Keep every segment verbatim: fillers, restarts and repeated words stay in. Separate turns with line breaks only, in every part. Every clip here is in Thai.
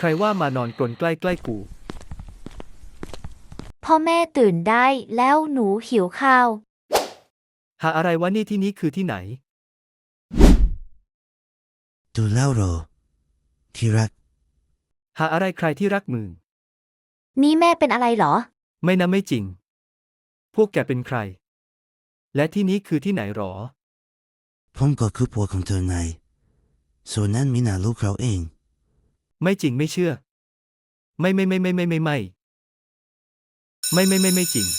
รว่ามานอนกรนใกล้ๆกู
พ่อแม่ตื่นได้แล้วหนูหิวข้าว
หาอะไรวะนี่ที่นี้คือที่ไหน
ดูแล้วเหรอที่รัก
หาอะไรใครที่รักมึง
นี่แม่เป็นอะไรเหรอ
ไม่นะไม่จริง พวกแกเป็นใคร และที่นี้คือที่ไหนหรอ
ผมก็คือผัวของเธอไงส่วนนั้นมีหน้าลูกเราเอง
ไม่จริงไม่เชื่อ ไม่ไม่ไม่ไม่ไม่ไม่ไม่ไม่ไม่ไม่ไม่จริง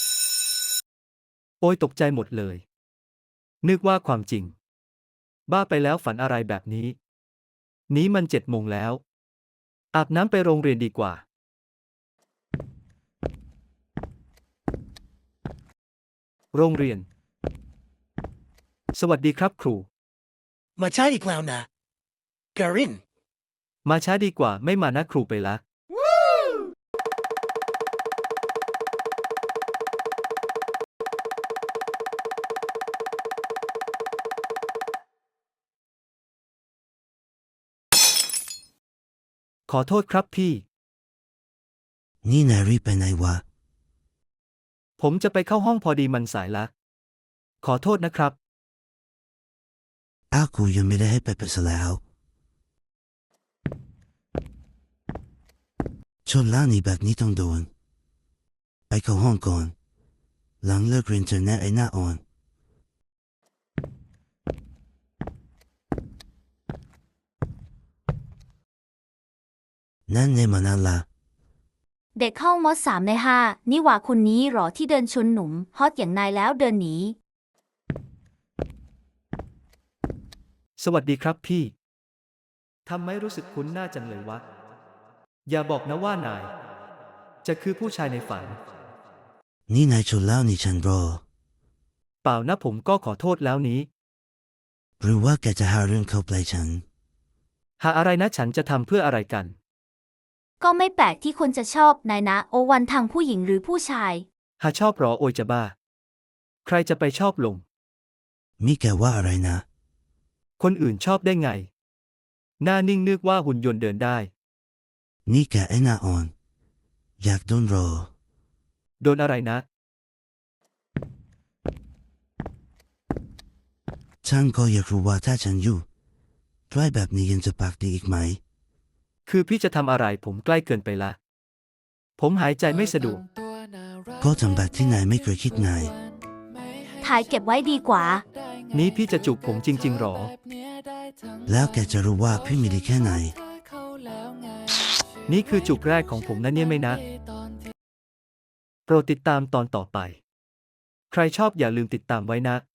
โอ้ยตกใจหมดเลย นึกว่าความจริง บ้าไปแล้วฝันอะไรแบบนี้ นี้มันเจ็ดโมงแล้ว อาบน้ำไปโรงเรียนดีกว่า โรงเรียน สวัสดีครับครู
มาช้าอีกแล้วนะการิน
มาช้าดีกว่าไม่มานะครูไปละ ขอโทษครับพี่
นี่นายรีบไปไหนวะ
ผมจะไปเข้าห้องพอดีมันสายละ ขอโทษนะครับ
อ้าวกูยังไม่ได้ให้ไปไปซะแล้วชนล่านี่แบบนี้ต้องโดน ไปเข้าห้องก่อน หลังเลิกเรียนเจอแน่ไอ้หน้าอ่อน นั่นในมานานละ
เด็กเข้ามสามในห้านี่หว่าคุณนี้หรอที่เดินชนหนุ่มฮอตอย่างนายแล้วเดินหนี
สวัสดีครับพี่ ทำไมรู้สึกคุ้นหน้าจังเลยวะ อย่าบอกนะว่านาย จะคือผู้ชายในฝัน
นี่นายชนแล้วนี่ฉันรอ
เปล่านะผมก็ขอโทษแล้วนี้
หรือว่าแกจะหาเรื่องเข้าไปฉัน
หาอะไรนะฉันจะทำเพื่ออะไรกัน
ก็ไม่แปลกที่คนจะชอบนายนะโอวันทางผู้หญิงหรือผู้ชาย
หาชอบหรอโอยจะบ้า ใครจะไปชอบลง
มีแกว่าอะไรนะ
คนอื่นชอบได้ไง หน้านิ่งนึกว่าหุ่นยนต์เดินได้
นี่แกไอ้หน้าอ่อน อยากโดนรอ
โดนอะไรนะ
ฉันก็อยากรู้ว่าถ้าฉันอยู่ใกล้แบบนี้ยังจะปากดีอีกไหม
คือพี่จะทำอะไรผมใกล้เกินไปละ ผมหายใจไม่สะดวก
ก็ทำแบบที่นายไม่เคยคิดนาย
ถ่ายเก็บไว้ดีกว่า
นี้พี่จะจูบผมจริงๆหรอ
แล้วแกจะรู้ว่าพี่มีดีแค่ไหน
นี่คือจูบแรกของผมนะเนี่ยไม่นะ โปรดติดตามตอนต่อไป ใครชอบอย่าลืมติดตามไว้นะ